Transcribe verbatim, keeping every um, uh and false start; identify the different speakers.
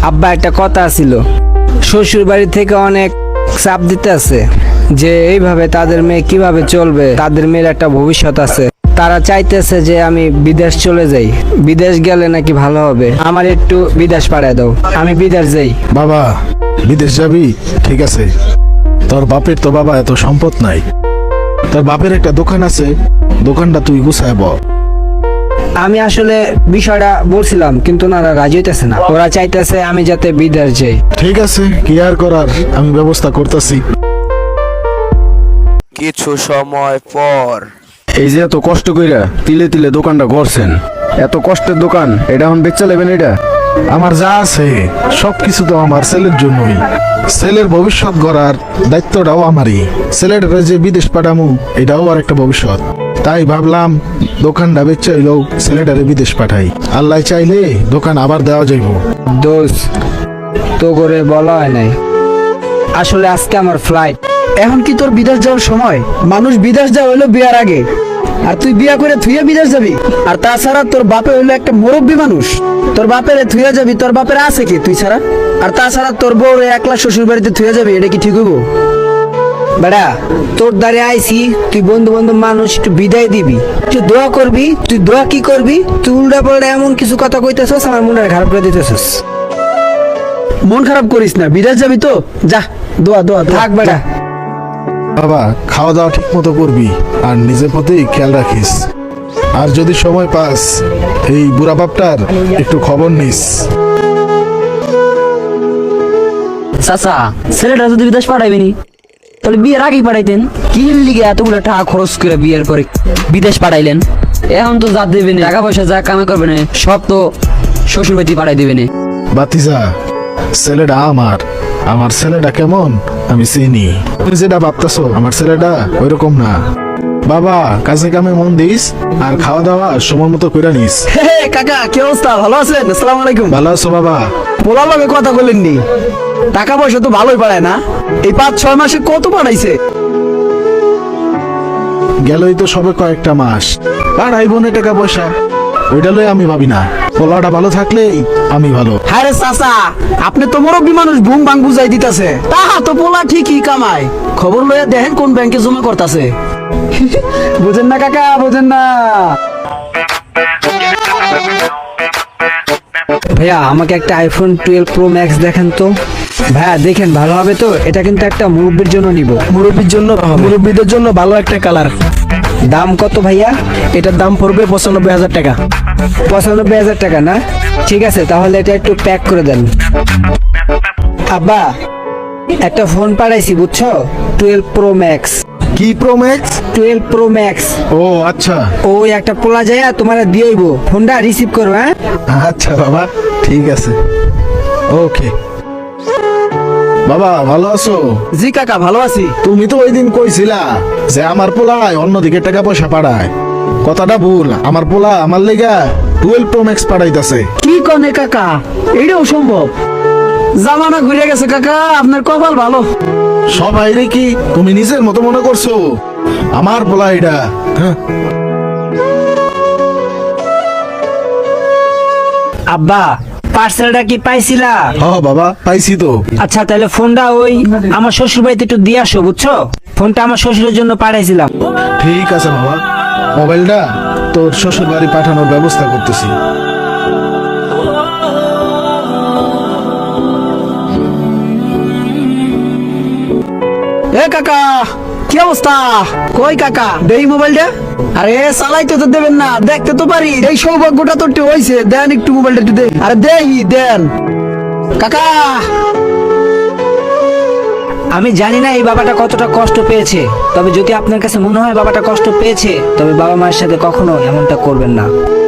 Speaker 1: আব্বা একটা কথা ছিল, শ্বশুর বাড়ি থেকে অনেক চাপ দিতে আছে যে এইভাবে তাদের মেয়ে কিভাবে চলবে, তাদের মেয়ের একটা ভবিষ্যৎ আছে। তারা চাইতেছে যে আমি বিদেশ চলে যাই, বিদেশ গেলে নাকি ভালো হবে। আমার একটু বিদেশ পাঠায় দাও, আমি বিদেশ যাই।
Speaker 2: বাবা বিদেশ যাবি? ঠিক আছে, তোর বাপের তো বাবা এত সম্পদ নাই, তোর বাপের একটা দোকান আছে, দোকানটা তুই গুছায় ব।
Speaker 1: আমি আসলে বিষয়টা বলছিলাম, কিন্তু ওনারা রাজি হইতেছে না। ওরা চাইতেছে আমি যাতে বিদেশ যাই।
Speaker 2: ঠিক আছে, কি আর করার, আমি ব্যবস্থা করতেছি।
Speaker 3: কিছু সময় পর
Speaker 4: এই যে এত কষ্ট কইরা তিলে তিলে দোকানটা করছেন, এত কষ্টের দোকান, এটা এখন বেচা লেবেন? এটা
Speaker 2: আমার যা আছে সবকিছু তো আমার ছেলের জন্যই। ছেলের ভবিষ্যৎ গড়ার দায়িত্বটাও আমারই। ছেলেটা যে বিদেশ পাঠামু এটাও আর একটা ভবিষ্যৎ। তাই ভাবলাম দোকানটা বেচা হইলেও ছেলেটারে বিদেশ পাঠাই। আল্লাহ চাইলে দোকান আবার দেওয়া যাইব।
Speaker 1: দোষ তো করে বলা হয় নাই, আসলে আজকে আমার ফ্লাইট।
Speaker 5: এখন কি তোর বিদেশ যাওয়ার সময়? মানুষ বিদেশ যাওয়া হইলো বিয়ার আগে, আর তুই বিয়া করে থুয়ে বিদেশ যাবি? আর তাছাড়া তোর বাপে হইলো একটা মুরব্বী মানুষ, তোর বাপের থুয়ে যাবি? তোর বাপের আছে কি তুই ছাড়া? আর তাছাড়া তোর বউ একলা শ্বশুর বাড়িতে থুয়ে যাবি, এটা কি ঠিক হইব?
Speaker 1: বেড়া, তোর দ্বারে আইসি, তুই বন্ধু বান্ধব মানুষ, একটু বিদায় দিবি, তুই দোয়া করবি। তুই দোয়া কি করবি? তুই উল্টা পাল্টা এমন কিছু কথা কইতেছস, আমার মনে খারাপ করে দিতেছস।
Speaker 5: মন খারাপ করিস না, বিদেশ যাবি তো যা, দোয়া দোয়া দোয়া।
Speaker 1: থাক বেড়া।
Speaker 2: বাবা খাওয়া দাওয়া ঠিক মতো করবি আর নিজের প্রতি খেয়াল রাখিস। আর যদি সময় পাস এই বুড়া বাপটার একটু খবর নিস।
Speaker 6: চাচা, ছেলেটা যদি বিদেশ পাঠাইবেনি তাহলে বিয়ের আগেই পাঠাইতেন। কি লিগে এতগুলো টাকা খরচ করে বিয়ের পরে বিদেশ পাঠাইলেন? এখন তো যা দেবেন, টাকা পয়সা যা কামে করবেন সব তো শ্বশুর বাড়ি পাঠাই দেবেন।
Speaker 2: বাতিজা, ছেলেটা আমার আমার ছেলেটা কেমন আমি চিনি। তুমি যেটা ভাবতেছো আমার ছেলেটা ওইরকম না। বাবা কাজে কামে মন দিস আর খাওয়া দাওয়া সময় মতো করে নিস।
Speaker 5: হে হে, কাকা কি অবস্থা? ভালো আছেন? আসসালামু আলাইকুম।
Speaker 2: ভালো আছো বাবা?
Speaker 5: পোলার লগে কথা বলেননি? টাকা পয়সা তো ভালোই পাঠায় না? এই পাঁচ ছয় মাসে কত পাঠাইছে?
Speaker 2: গেলই তো সবে কয়েকটা মাস, আর আই বোনে টাকা পয়সা ওইটা লই আমি ভাবি না। পোলাটা ভালো থাকলেই আমি ভালো।
Speaker 5: হ্যাঁ রে চাচা, আপনি তো মুরব্বী মানুষ, বুম বাং বুঝাই দিতেছে। তাহা তো পোলা ঠিকই কামায়, খবর লইয়া দেখেন কোন ব্যাংকে জমা করতেছে। বুঝেন না কাকা, বুঝেন না?
Speaker 1: ভাইয়া আমাকে একটা আইফোন টুয়েলভ প্রো ম্যাক্স দেখেন তো। ভাইয়া দেখেন, ভালো হবে তো? এটা কিন্তু একটা মুরব্বির জন্য নিব।
Speaker 5: মুরব্বীর জন্য, মুরব্বীদের জন্য ভালো একটা কালার।
Speaker 1: দাম কত ভাইয়া?
Speaker 5: এটার দাম পড়বে পঁচানব্বই হাজার টাকা।
Speaker 1: পঁচানব্বই হাজার টাকা না? ঠিক আছে, তাহলে এটা একটু প্যাক করে দেন। আব্বা একটা ফোন পাঠাইছি বুঝছো, টুয়েলভ প্রো ম্যাক্স।
Speaker 2: কি pro max?
Speaker 1: Twelve pro max.
Speaker 2: ও আচ্ছা,
Speaker 1: ওই একটা পোলা যায় তোমার দিয়েইব, ফোনটা রিসিভ করো। হ্যাঁ
Speaker 2: আচ্ছা বাবা, ঠিক আছে, ওকে। বাবা ভালো আছো?
Speaker 5: জি কাকা ভালো আছি।
Speaker 2: তুমি তো ওই দিন কইছিলা যে আমার পোলায় অন্যদিকে টাকা পয়সা পাঠায়। কথাটা ভুল, আমার পোলা আমার লেগা টুয়েলভ প্রো ম্যাক্স পাঠাইতাছে।
Speaker 5: কি কনে কাকা, এটাও সম্ভব? জামানা ঘুরে গেছে কাকা, আপনার কপাল ভালো।
Speaker 2: সবাই রে কি তুমি নিজের মতো মনে করছো? আমার পোলা এটা। হ্যাঁ
Speaker 1: আব্বা, পার্সেলটা কি পাইছিলা?
Speaker 2: হ বাবা পাইছি তো।
Speaker 1: আচ্ছা তাহলে ফোনটা ওই আমার শ্বশুর বাড়িতে একটু দিয়ে আসো বুঝছো। ফোনটা আমার শ্বশুরের জন্য পাঠাইছিলাম।
Speaker 2: ঠিক আছে বাবা, মোবাইলটা তোর শ্বশুর বাড়ি পাঠানোর ব্যবস্থা করতেছি।
Speaker 5: এ কাকা কি অবস্থা? কই কাকা দেই মোবাইলটা? আরে চালাইতে তো দেবেন না, দেখতে তো পারি। এই সৌভাগ্যটা তো একটু হইছে, দেন একটু মোবাইলটা একটু দেন। আরে দেই দেন কাকা।
Speaker 1: আমি জানি না এই বাবাটা কতটা কষ্ট পেয়েছে, তবে যদি আপনার কাছে মনে হয় বাবাটা কষ্ট পেয়েছে, তবে বাবা মায়ের সাথে কখনো এমনটা করবেন না।